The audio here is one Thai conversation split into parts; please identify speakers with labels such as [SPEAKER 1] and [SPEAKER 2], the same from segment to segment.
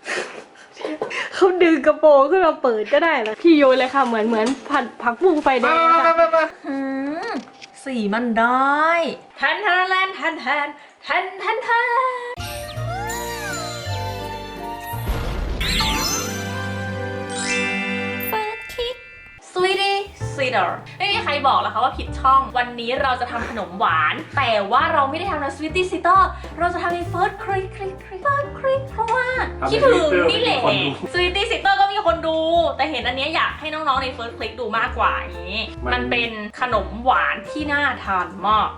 [SPEAKER 1] เขาดึงกระโปรงขึ้นมาเปิดก็ได้แล้วพี่โยนเลยค่ะเหมือนผักบุ้งไฟแดงค่ะ
[SPEAKER 2] สีมันได้แทนสวีตี้ซีดอร์ไม่มีใครบอกแล้วค่ะว่าผิดช่องวันนี้เราจะทำขนมหวานแต่ว่าเราไม่ได้ทำในสวีตี้ซีดอร์เราจะทำในเฟิร์สคลิกเพราะว่าคิดถึงนี่แหละสวีตี้ซีดอร์ก็มีคนดูแต่เห็นอันนี้อยากให้น้องๆในเฟิร์สคลิกดูมากกว่าอย่างนี้มันเป็นขนมหวานที่น่าทานมาก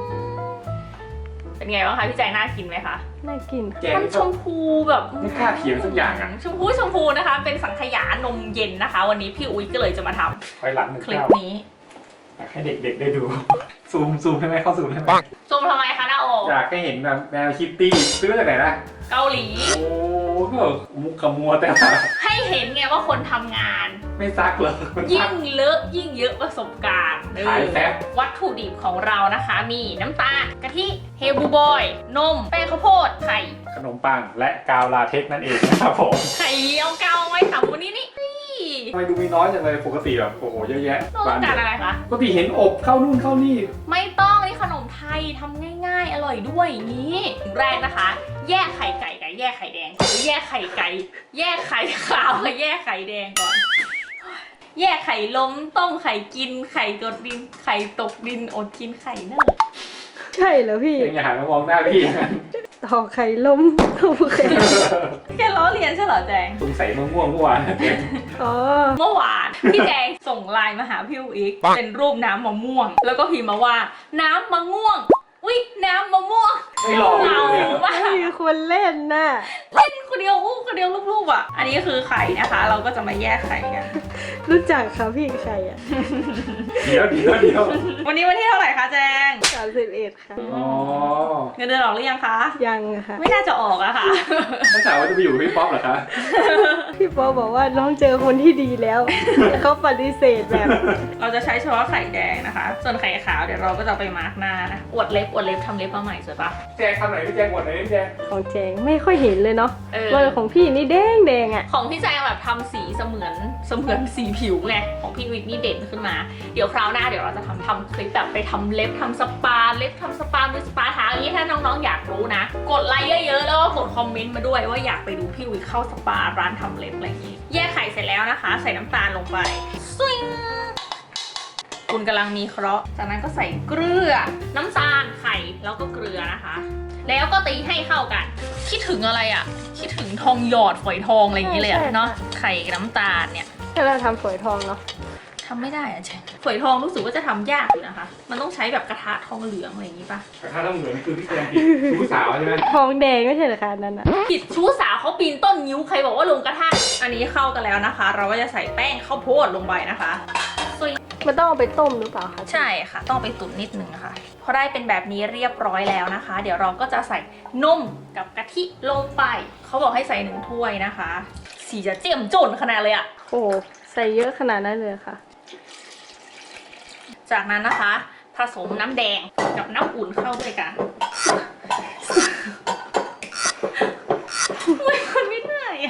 [SPEAKER 2] เป็นไงบ้างคะพี่แจงน่ากินไหมคะ
[SPEAKER 1] น่ากิน
[SPEAKER 2] มันชมพูแบบ
[SPEAKER 3] ไม่กล้าเขียนสักอย่างอ่ะ
[SPEAKER 2] ชมพูนะคะเป็นสังขยานมเย็นนะคะวันนี้พี่อุ้ยก็เลยจะมาทำ
[SPEAKER 3] ไปหลังหนึ่ง
[SPEAKER 2] คลิปนี้
[SPEAKER 3] อยากให้เด็กๆได้ดูซูมให้ไหมเข้าซูมให้ไหม
[SPEAKER 2] ซูมทำไมคะน้าโอ
[SPEAKER 3] อยากให้เห็นแบบแมวคิตตี้ซื้อมาจากไหนนะ
[SPEAKER 2] เกาหลี
[SPEAKER 3] โอ้ก็มุกขมัวแต่
[SPEAKER 2] ให้เห็นไงว่าคนทำงาน
[SPEAKER 3] ไม่ซักเลย
[SPEAKER 2] ยิ่งเลอะยิ่งเยอะประสบการณ์
[SPEAKER 3] ขายแซ่บ
[SPEAKER 2] วัตถุดิบของเรานะคะมีน้ำตาลกะทิเฮลบูบอยนมแป้งข้าวโพดไข่
[SPEAKER 3] ขนมปังและกาวลาเท็กซ์นั่นเองนะครับผม
[SPEAKER 2] ไข่เอากาวไว้ทำวันนี้นี่
[SPEAKER 3] ทำไมดูมีน้อยจังเลยปกติแบบโอ้โหเยอะแยะ
[SPEAKER 2] ต้องการอะไรคะ
[SPEAKER 3] ปกติเห็นอบเข้านู่นเข้านี่
[SPEAKER 2] ไม่ต้องนี่ขนมไทยทำง่ายๆอร่อยด้วยนี้แรกนะคะแยกไข่ไก่กับแยกไข่แดงหรือแยกไข่ไก่แยกไข่ขาวกับแยกไข่แดงก่อนแยกไข่ล้มต้มไข่กินไข่กดดินไข่ตกดินอดกินไข่เน่า
[SPEAKER 1] ใช่เหรอพี่
[SPEAKER 3] อย่าหันมามองหน้าพี่
[SPEAKER 1] ต่อไข่ล้มโอเค
[SPEAKER 2] แค่ล้อเลียนใช่เหรอแจง
[SPEAKER 3] สงสัยมะม่วงเมื่อวาน
[SPEAKER 2] เมื่อวานพี่แจงส่งไลน์มาหาพี่อีกเป็นรูปน้ำมะม่วงแล้วก็พิมพ์มาว่าน้ำมะม่วงอุ๊ยน้ำมะม่วง
[SPEAKER 3] ไม่หลอก
[SPEAKER 2] เราว่า
[SPEAKER 1] มีคนเล่นน่ะ
[SPEAKER 2] เล่นคนเดียวคนเดียวรูปๆอ่ะอันนี้คือไข่นะคะเราก็จะมาแยกไข่กัน
[SPEAKER 1] รู้จักค่ะพี่ไข่อ่ะ
[SPEAKER 3] เดี๋ยว
[SPEAKER 2] วันนี้วันที่เท่าไหร่คะแจง
[SPEAKER 1] 31ค่ะ
[SPEAKER 3] อ๋อ
[SPEAKER 2] เงินเดือนออกหรือยังคะ
[SPEAKER 1] ยังค่ะ
[SPEAKER 2] ไม่น่าจะออกอะค่ะ
[SPEAKER 3] ถ้าถามว่าจะไปอยู่กับพี่ป๊อปเหรอคะ
[SPEAKER 1] พี่ป๊อปบอกว่าน้องเจอคนที่ดีแล้วเขาปฏิเสธแบบ
[SPEAKER 2] เราจะใช้เฉพาะไข่แดงนะคะส่วนไข่ขาวเดี๋ยวเราก็จะไปมาร์กหน้านะอวดเล็บทำเล็บมาใหม่สวยปะ
[SPEAKER 3] แจงทำไหนพี่แจงอวดไหนพี่แจง
[SPEAKER 1] ของแจงไม่ค่อยเห็นเลยเนาะว่าของพี่นี่แดงอ่ะ
[SPEAKER 2] ของพี่แจงแบบทำสีเสมือนสีผิวไงของพี่วิกนี่เด่นขึ้นมาเดี๋ยวคราวหน้าเดี๋ยวเราจะทำคลิปแบบไปทำเล็บทำสปาเล็บทำสปามือสปาเท้าอย่างนี้ถ้าน้องๆอยากรู้นะกดไลค์เยอะๆแล้วก็กดคอมเมนต์มาด้วยว่าอยากไปดูพี่วิกเข้าสปาร้านทำเล็บอะไรอย่างนี้แยกไข่เสร็จแล้วนะคะใส่น้ำตาลลงไปซิงคุณกำลังมีเคราะห์จากนั้นก็ใส่เกลือน้ำตาลไข่แล้วก็เกลือนะคะแล้วก็ตีให้เข้ากันคิดถึงอะไรอ่ะคิดถึงทองหยอดฝอยทองอะไรอย่างนี้เลยเนาะไข่กับน้ำตาลเนี่ย
[SPEAKER 1] ถ้าเราทำฝอยทองเนาะ
[SPEAKER 2] ทำไม่ได้อะเจ๊ฝอยทองรู้สึกว่าจะทำยากอยู่นะคะมันต้องใช้แบบกระทะทองเหลืองอะไรอย่างนี้ป่ะ
[SPEAKER 3] กระทะทองเหลืองคือพี่แจงชู้สาวใช่ไหม
[SPEAKER 1] ทองแดงไม่ใช่เหรอคะนั่นน่ะ
[SPEAKER 2] ผิดชู้สาวเขาปีนต้นนิ้วใครบอกว่าลงกระทะอันนี้เข้ากันแล้วนะคะเราก็จะใส่แป้งข้าวโพดลงไปนะคะ
[SPEAKER 1] มันต้องเอาไปต้มหรือเปล่าคะ
[SPEAKER 2] ใช่ค่ะต้องไปตุ๋นนิดนึงนะคะพอได้เป็นแบบนี้เรียบร้อยแล้วนะคะเดี๋ยวเราก็จะใส่นมกับกะทิลงไปเขาบอกให้ใส่1 ถ้วยนะคะสีจะเจียมจนขนาดเลยอะ
[SPEAKER 1] โอ้ใส่เยอะขนาดนั้นเลยค่ะ
[SPEAKER 2] จากนั้นนะคะผสมน้ำแดงกับน้ำอุ่นเข้าด้วยกันไม่ได้อะ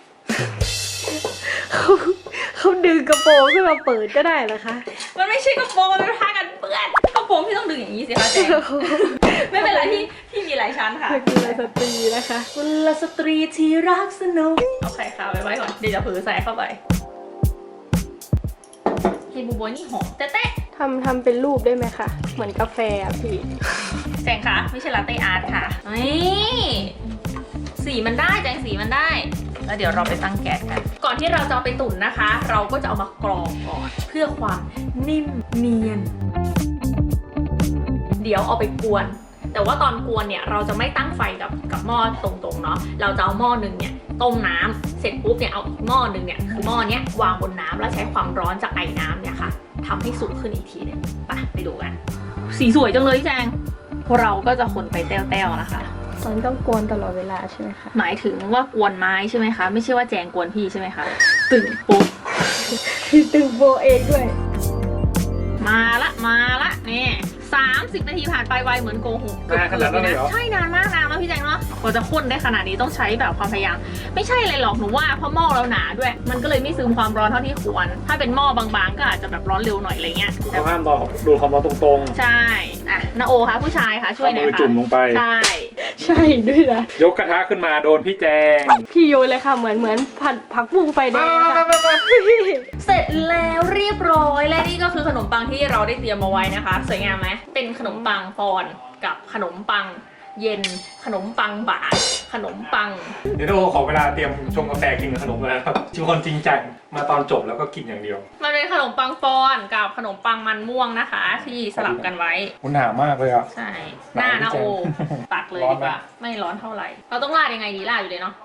[SPEAKER 1] เขาดึงกระโปรงขึ้นมาเปิดก็ได้เหรอคะ
[SPEAKER 2] มันไม่ใช่กระโปรงมันเป็นผ้ากันเปื้อนกระโปรงที่ต้องดึงอย่างนี้สิคะแจงไม่เป็นไรที่มีหลายชั้นค่ะ
[SPEAKER 1] กุลสตรีนะคะ
[SPEAKER 2] กุลสตรีที่รักสนุกเอาไข่ขาวไว้ก่อนเดี๋ยวจะเผลอใส่เข้าไปเฮบูโบนี่หอมแต๊ะ
[SPEAKER 1] ทำเป็นรูปได้ไหมคะเหมือนกาแฟอ่ะพี่
[SPEAKER 2] แจงคะไม่ใช่ลาเต้อาร์ตค่ะนี่สีมันได้แจงสีมันได้แล้วเดี๋ยวเราไปตั้งแก๊สกันก่อนที่เราจะเอาไปตุ๋นนะคะเราก็จะเอามากรองก่อนเพื่อความนิ่มเนียนเดี๋ยวเอาไปกวนแต่ว่าตอนกวนเนี่ยเราจะไม่ตั้งไฟกับหม้อตรงๆเนาะเราจะเอาหม้อหนึ่งเนี่ยต้มน้ำเสร็จปุ๊บเนี่ยเอาอีกหม้อหนึ่งเนี่ยคือหม้อเนี้ยวางบนน้ำแล้วใช้ความร้อนจากไอ้น้ำเนี่ยค่ะทำให้สุกขึ้นอีกทีนึงไปดูกันสีสวยจังเลยพี่แจงเราก็จะคนไปแต้วๆนะคะ
[SPEAKER 1] มันต้องกวนตลอดเวลาใช่ไหมคะ
[SPEAKER 2] หมายถึงว่ากวนไม้ใช่ไหมคะไม่ใช่ว่าแจงกวนพี่ใช่ไหมคะตึงปุ๊บ
[SPEAKER 1] พี่ตึงโบเองด้วย
[SPEAKER 2] มาละนี่ 30 นาทีผ่านไปไวเหมือนโกหก
[SPEAKER 3] นานขนาดนั้นเลยเหรอ
[SPEAKER 2] ใช่นานมากนานแล้วพี่แจงเนาะกว่าจะข้นได้ขนาดนี้ต้องใช้แบบความพยายามไม่ใช่อะไรหรอกหนูว่าเพราะหม้อเราหนาด้วย มันก็เลยไม่ซึมความร้อนเท่าที่ควร ถ้าเป็นหม้อบางๆก็อาจจะแบบร้อนเร็วหน่อยอะไรเงี้ย
[SPEAKER 3] เราห้ามรอดูความร้อนตรง
[SPEAKER 2] ใช่อ่ะนาโอคะผู้ชายคะ
[SPEAKER 3] ๆ
[SPEAKER 2] ช่วยหน่อย
[SPEAKER 3] เอามือ
[SPEAKER 2] ค่ะ
[SPEAKER 3] จุ่มลงไป
[SPEAKER 2] ใช่
[SPEAKER 1] ใช่ด้วยนะ
[SPEAKER 3] ยกกระทะขึ้นมาโดนพี่แจง
[SPEAKER 1] พี่โยนเลยค่ะเหมือนผักบุ้งไฟแดงอะค่ะ
[SPEAKER 2] เสร็จแล้วเรียบร้อยและนี่ก็คือขนมปังที่เราได้เตรียมมาไว้นะคะ สวยงามไหมเป็นขนมปังปอนกับขนมปังเย็นขนมปังบาทขนมปัง
[SPEAKER 3] เดี๋ยวเราขอเวลาเตรียมชงกาแฟกินกับขนมเลยนะครับชิมคนจริงจังมาตอนจบแล้วก็กินอย่างเดียว
[SPEAKER 2] มันเป็นขนมปังปอนกับขนมปังมันม่วงนะคะ ที่สลับกันไว้
[SPEAKER 3] มันหนามากเลยอ่ะ
[SPEAKER 2] ใช่หน้านะโอตักเลย
[SPEAKER 3] ร้อน
[SPEAKER 2] ดี
[SPEAKER 3] ไหม
[SPEAKER 2] กว่าไม่ร้อนเท่าไหร่ เราต้องราดยังไงดีราดอยู่เลยเนาะ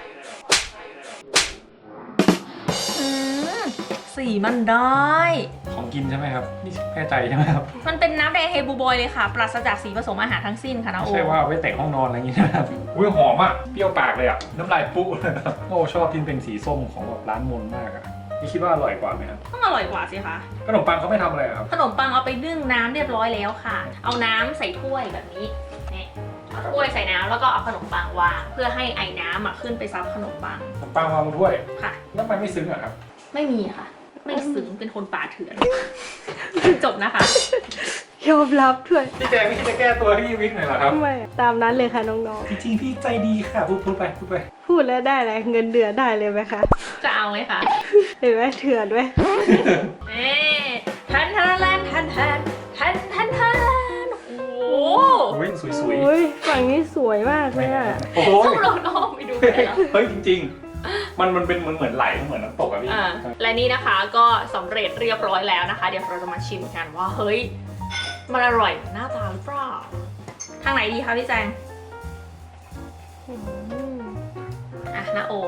[SPEAKER 2] สีมันได้
[SPEAKER 3] ของกินใช่ไหมครับนี่แน่ใจใช่ไหมครับ
[SPEAKER 2] มันเป็นน้ำแดงเฮบูบอยเลยค่ะ ปราศจากสีผสมอาหารทั้งสิ้นค่ะนะโอ
[SPEAKER 3] ใช่ว่าเอาไว้แต่งห้องนอนอะไรอย่างงี้นะครับอุ้ยหอมอ่ะเปรี้ยวปากเลยอ่ะน้ำลายปุ๊เลยครับโอ้ชอบที่เป็นสีส้มของแบบร้านมนมากอ่ะนี่คิดว่าอร่อยกว่าไหมครับ
[SPEAKER 2] ต้องอร่อยกว่าสิคะ
[SPEAKER 3] ขนมปังเขาไม่ทำอะไรอะครับ
[SPEAKER 2] ขนมปังเอาไปนึ่งน้ำเรียบร้อยแล้วค่ะ เอาน้ำใส่ถ้วยแบบนี้นี่เอาถ้วยใส่น้ำแล้วก็เอาขนมปังวางเพื่อให้ไอ้น้ำอ่ะขึ้นไปซับขนมปัง
[SPEAKER 3] ขนมปังวางบนถ้วย
[SPEAKER 2] ค่ะ
[SPEAKER 3] แล้วทำไมไม่ซึ้งอะครับ
[SPEAKER 2] ไม่มีค่ะ ไม่ซึ้งเป็นคนป่าเถื่อน จบนะคะ
[SPEAKER 1] ยอมรับด้วย
[SPEAKER 3] พี่แจงไม่คิดจะแก้ตัวให้พี่วิกหน่อยเหรอครับ
[SPEAKER 1] ไม่ตามนั้นเลยค่ะน้อง
[SPEAKER 3] จริงๆพี่ใจดีค่ะพูดไป
[SPEAKER 1] ๆพูดแล้วได้อะไรเงินเดือนได้เลยไหมคะ
[SPEAKER 2] จะเอาไหมคะ
[SPEAKER 1] เห็นไหมเถื่อนด้วย
[SPEAKER 2] เอ๊ทันทันทันทันทันทันทันทันโอ้โห
[SPEAKER 3] โอ้ยสวย
[SPEAKER 1] โอ้ยฝั่งนี้สวยมาก
[SPEAKER 3] ๆ
[SPEAKER 1] เลยอ่ะ
[SPEAKER 3] โอ้โห
[SPEAKER 2] ต้องลองลองไปดูเลยเหรอ
[SPEAKER 3] เฮ้ยจริงๆ มันเป็นเหมือนไหลเหมือนน้ำตกอะพี่
[SPEAKER 2] อ่าและนี่นะคะก็สำเร็จเรียบร้อยแล้วนะคะ เดี๋ยวเราจะมาชิมกันว่าเฮ้ยมันอร่อยหน้าตาหรือเปล่าทางไหนดีคะพี่แจง
[SPEAKER 1] อืม
[SPEAKER 2] อ่ะนะโอ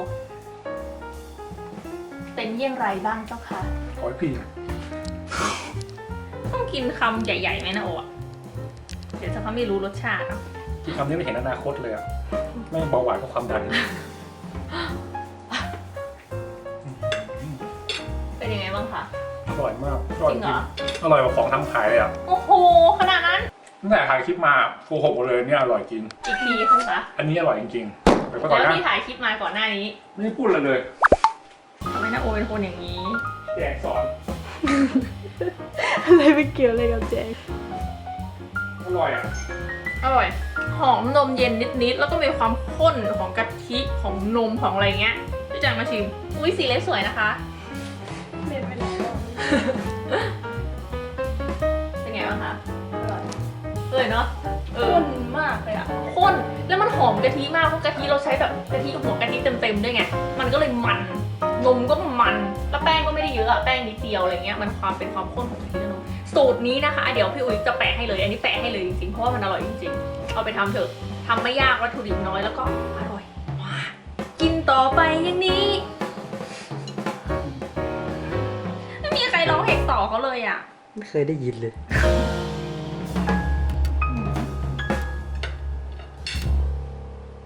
[SPEAKER 2] เป็นเยี่ยงไรบ้างเจ้าคะ
[SPEAKER 3] ขอให้พี่
[SPEAKER 2] ต้องกินคำใหญ่ๆไหมนะโออะเดี๋ยวจะเขาไม่รู้รสชาติเนาะ
[SPEAKER 3] ที่คำนี้ไม่เห็นอนาคตเลยอะไม่เบาหวานก็ความดัน
[SPEAKER 2] เป็นยังไงบ้างคะ
[SPEAKER 3] อร่อยมาก
[SPEAKER 2] จริงเหรอ
[SPEAKER 3] อร่อยกว่าของทำขายเลยอะ
[SPEAKER 2] โอ้โหขนาดนั้น
[SPEAKER 3] ตั้งแต่ถ่ายคลิปมาโกหกหมดเลยเนี่ยอร่อยจริง
[SPEAKER 2] อีกทีใช่ไหมคะ
[SPEAKER 3] อันนี้อร่อยจริงๆไปก่อน
[SPEAKER 2] แล้ว
[SPEAKER 3] นะ
[SPEAKER 2] ที่ถ่ายคลิปมาก่อนหน้านี้
[SPEAKER 3] ไม่ได้พูดเลย
[SPEAKER 2] ทำไมนะโอเป็นคนอย่างนี้
[SPEAKER 3] แจงสอน
[SPEAKER 1] อะไรไปเกี่ยวอะไรกับแจง
[SPEAKER 3] อร่อยอะ
[SPEAKER 2] อร่อย หอมนมเย็นนิดๆ แล้วก็มีความข้นของกะทิของนมของอะไรเงี้ยพี่แจงมาชิม อุ้ยสีเล็บสวยนะคะ
[SPEAKER 1] เรียนไปแล้ว
[SPEAKER 2] เป็นไงบ้างคะ
[SPEAKER 1] อร่อย
[SPEAKER 2] เนาะข้นมากเลยอะข้น แล้วมันหอมกะทิมากเพราะกะทิเราใช้แบบกะทิหัวกะทิเต็มๆด้วยไง มันก็เลยมัน นมก็มัน แล้วแป้งก็ไม่ได้เยอะอะแป้งนิดเดียวอะไรเงี้ย มันความเป็นความข้นของกะทิและนม สูตรนี้นะคะ เดี๋ยวพี่อุ๊ยจะแปะให้เลย อันนี้แปะให้เลยจริงๆ เพราะว่ามันอร่อยจริงๆ เอาไปทำเถอะทำไม่ยากวัตถุดิบน้อยแล้วก็อร่อยมากกินต่อไปอย่างนี้ ไม่มีใครร้องเพลงต่อเขาเลยอ่ะ
[SPEAKER 4] ไม่เคยได้ยินเลย
[SPEAKER 2] เ